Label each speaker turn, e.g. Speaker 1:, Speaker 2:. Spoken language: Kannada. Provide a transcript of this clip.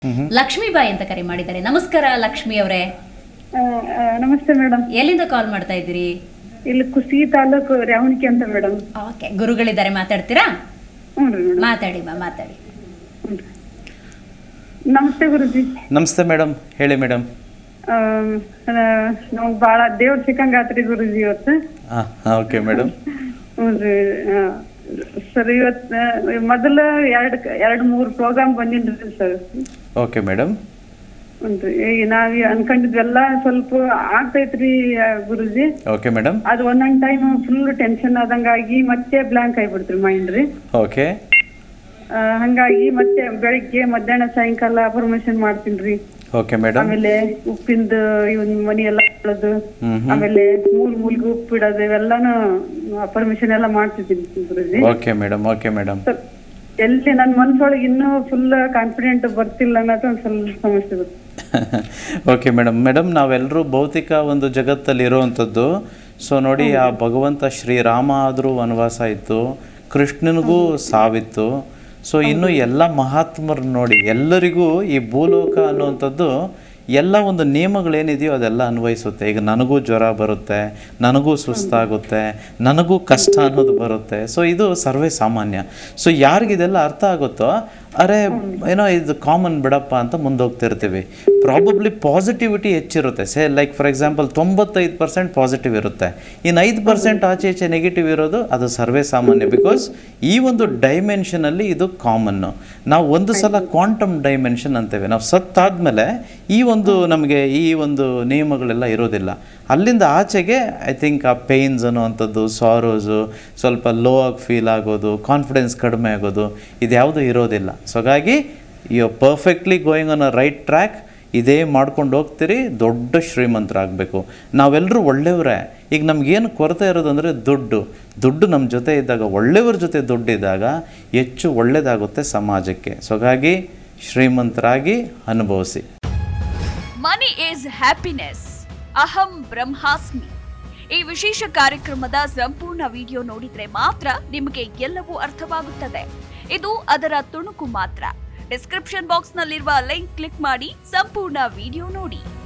Speaker 1: ಲಕ್ಷ್ಮೀಬಾಯಿ ಅಂತ ಕರೆ ಮಾಡಿದ್ದಾರೆ. ನಮಸ್ಕಾರ ಲಕ್ಷ್ಮಿ ಅವರೇ.
Speaker 2: ನಮಸ್ತೆ ಮೇಡಮ್.
Speaker 1: ಎಲ್ಲಿಂದ ಕಾಲ್ ಮಾಡ್ತಾ ಇದ್ದೀರಿ?
Speaker 2: ಇಲ್ಲಿ ಕುಸಿ ತಾಲೂಕು ರ್ಯಾವಣಿಕೆ ಅಂತ ಮೇಡಮ್.
Speaker 1: ಓಕೆ, ಗುರುಗಳಿದ್ದಾರೆ, ಮಾತಾಡ್ತೀರಾ?
Speaker 2: ಹ್ಞೂ ರೀ ಮೇಡಮ್.
Speaker 1: ಮಾತಾಡಿ ಮಾತಾಡಿ.
Speaker 2: ನಮಸ್ತೆ ಗುರುಜಿ.
Speaker 3: ನಮಸ್ತೆ ಮೇಡಮ್, ಹೇಳಿ ಮೇಡಮ್.
Speaker 2: ನಮ್ಗೆ ಭಾಳ ದೇವ್ರ ಸಿಕ್ಕಂಗಾತ್ರಿ ಗುರುಜಿ ಇವತ್ತು.
Speaker 3: Okay madam.
Speaker 2: ಹ್ಞೂ ರೀ ಸರ್, ಇವತ್ತು ಮೊದಲ ಎರಡು ಮೂರು ಪ್ರೋಗ್ರಾಮ್ ಬಂದಿನ್ರಿ ಸರ್.
Speaker 3: Okay madam.
Speaker 2: ಹ್ಞೂ ಈಗ ನಾವ್ ಅನ್ಕೊಂಡಿದ್ವೆಲ್ಲ ಸ್ವಲ್ಪ ಆಗ್ತೈತ್ರಿ ಗುರುಜಿ.
Speaker 3: Okay madam.
Speaker 2: ಅದು ಒಂದೊಂದ್ ಟೈಮ್ ಫುಲ್ ಟೆನ್ಷನ್ ಆದಂಗಾಗಿ ಮತ್ತೆ ಬ್ಲಾಂಕ್ ಆಗಿಬಿಡ್ತ್ರಿ ಮೈಂಡ್ ರೀ.
Speaker 3: ಓಕೆ.
Speaker 2: ಹಂಗಾಗಿ ಮತ್ತೆ ಬೆಳಿಗ್ಗೆ ಮಧ್ಯಾಹ್ನ ಸಾಯಂಕಾಲ ಅಫರ್ಮೇಶನ್ ಮಾಡ್ತೀನ್ರಿ.
Speaker 3: Okay madam.
Speaker 2: ಆಮೇಲೆ ಉಪ್ಪಿಂದ ಇವನ್ ಮನಿ ಎಲ್ಲ ಇಡೋದು, ಆಮೇಲೆ ಮೂಲ್ಗೆ ಉಪ್ಪು ಇಡೋದು, ಇವೆಲ್ಲಾನು ಅಫರ್ಮೇಶನ್ ಎಲ್ಲ ಮಾಡ್ತಿದ್ದೀನಿ guruji.
Speaker 3: Okay madam. Okay madam.
Speaker 2: ಎಲ್ಲಿ ನನ್ನ ಮನ್ಸೊಳಗೆ ಇನ್ನೂ ಫುಲ್ ಕಾನ್ಫಿಡೆಂಟ್ ಬರ್ತಿಲ್ಲ ಅನ್ನೋದು ಒಂದ್ ಸ್ವಲ್ಪ ಸಮಸ್ಯೆ ಬರುತ್ತೆ.
Speaker 3: ಓಕೆ ಮೇಡಮ್, ನಾವೆಲ್ಲರೂ ಭೌತಿಕ ಒಂದು ಜಗತ್ತಲ್ಲಿ ಇರುವಂಥದ್ದು. ಸೊ ನೋಡಿ, ಆ ಭಗವಂತ ಶ್ರೀರಾಮ ಆದರೂ ವನವಾಸ ಇತ್ತು, ಕೃಷ್ಣನಿಗೂ ಸಾವಿತ್ತು. ಸೊ ಇನ್ನು ಎಲ್ಲ ಮಹಾತ್ಮರು ನೋಡಿ, ಎಲ್ಲರಿಗೂ ಈ ಭೂಲೋಕ ಅನ್ನುವಂಥದ್ದು ಎಲ್ಲ ಒಂದು ನಿಯಮಗಳೇನಿದೆಯೋ ಅದೆಲ್ಲ ಅನ್ವಯಿಸುತ್ತೆ. ಈಗ ನನಗೂ ಜ್ವರ ಬರುತ್ತೆ, ನನಗೂ ಸುಸ್ತಾಗುತ್ತೆ, ನನಗೂ ಕಷ್ಟ ಅನ್ನೋದು ಬರುತ್ತೆ. ಸೊ ಇದು ಸರ್ವೇ ಸಾಮಾನ್ಯ. ಸೊ ಯಾರಿಗಿದೆಲ್ಲ ಅರ್ಥ ಆಗುತ್ತೋ, ಅರೆ ಏನೋ ಇದು ಕಾಮನ್ ಬಿಡಪ್ಪ ಅಂತ ಮುಂದೋಗ್ತಿರ್ತೀವಿ. ಪ್ರಾಬಬ್ಲಿ ಪಾಸಿಟಿವಿಟಿ ಹೆಚ್ಚಿರುತ್ತೆ. ಲೈಕ್ ಫಾರ್ ಎಕ್ಸಾಂಪಲ್ 95% ಪಾಸಿಟಿವ್ ಇರುತ್ತೆ, ಇನ್ನು 5% ಆಚೆ ಈಚೆ ನೆಗೆಟಿವ್ ಇರೋದು ಅದು ಸರ್ವೇ ಸಾಮಾನ್ಯ. ಬಿಕಾಸ್ ಈ ಒಂದು ಡೈಮೆನ್ಷನಲ್ಲಿ ಇದು ಕಾಮನ್ನು. ನಾವು ಒಂದು ಸಲ ಕ್ವಾಂಟಮ್ ಡೈಮೆನ್ಷನ್ ಅಂತೇವೆ. ನಾವು ಸತ್ತಾದ್ಮೇಲೆ ನಮಗೆ ಈ ಒಂದು ನಿಯಮಗಳೆಲ್ಲ ಇರೋದಿಲ್ಲ. ಅಲ್ಲಿಂದ ಆಚೆಗೆ ಐ ಥಿಂಕ್ ಆ ಪೇಯ್ನ್ಸ್ ಅನ್ನುವಂಥದ್ದು, ಸಾರೋಸು, ಸ್ವಲ್ಪ ಲೋ ಆಗಿ ಫೀಲ್ ಆಗೋದು, ಕಾನ್ಫಿಡೆನ್ಸ್ ಕಡಿಮೆ ಆಗೋದು, ಇದ್ಯಾವುದೂ ಇರೋದಿಲ್ಲ. ಸೊ ಹಾಗಾಗಿ you are perfectly going on a right track. ಇದೇ ಮಾಡ್ಕೊಂಡು ಹೋಗ್ತೀರಿ, ದೊಡ್ಡ ಶ್ರೀಮಂತರಾಗಬೇಕು. ನಾವೆಲ್ಲರೂ ಒಳ್ಳೆಯವರೇ. ಈಗ ನಮಗೇನು ಕೊರತೆ ಇರೋದಂದರೆ ದುಡ್ಡು ನಮ್ಮ ಜೊತೆ ಇದ್ದಾಗ, ಒಳ್ಳೆಯವ್ರ ಜೊತೆ ದುಡ್ಡಿದ್ದಾಗ ಹೆಚ್ಚು ಒಳ್ಳೆಯದಾಗುತ್ತೆ ಸಮಾಜಕ್ಕೆ. ಸೊ ಹಾಗಾಗಿ ಶ್ರೀಮಂತರಾಗಿ ಅನುಭವಿಸಿ.
Speaker 4: ಮನಿ ಈಸ್ ಹ್ಯಾಪಿನೆಸ್, ಅಹಂ ಬ್ರಹ್ಮಾಸ್ಮಿ. ಈ ವಿಶೇಷ ಕಾರ್ಯಕ್ರಮದ ಸಂಪೂರ್ಣ ವಿಡಿಯೋ ನೋಡಿದ್ರೆ ಮಾತ್ರ ನಿಮಗೆ ಎಲ್ಲವೂ ಅರ್ಥವಾಗುತ್ತದೆ. ಇದು ಅದರ ತುಣುಕು ಮಾತ್ರ. ಡಿಸ್ಕ್ರಿಪ್ಷನ್ ಬಾಕ್ಸ್ ನಲ್ಲಿರುವ ಲಿಂಕ್ ಕ್ಲಿಕ್ ಮಾಡಿ ಸಂಪೂರ್ಣ ವಿಡಿಯೋ ನೋಡಿ.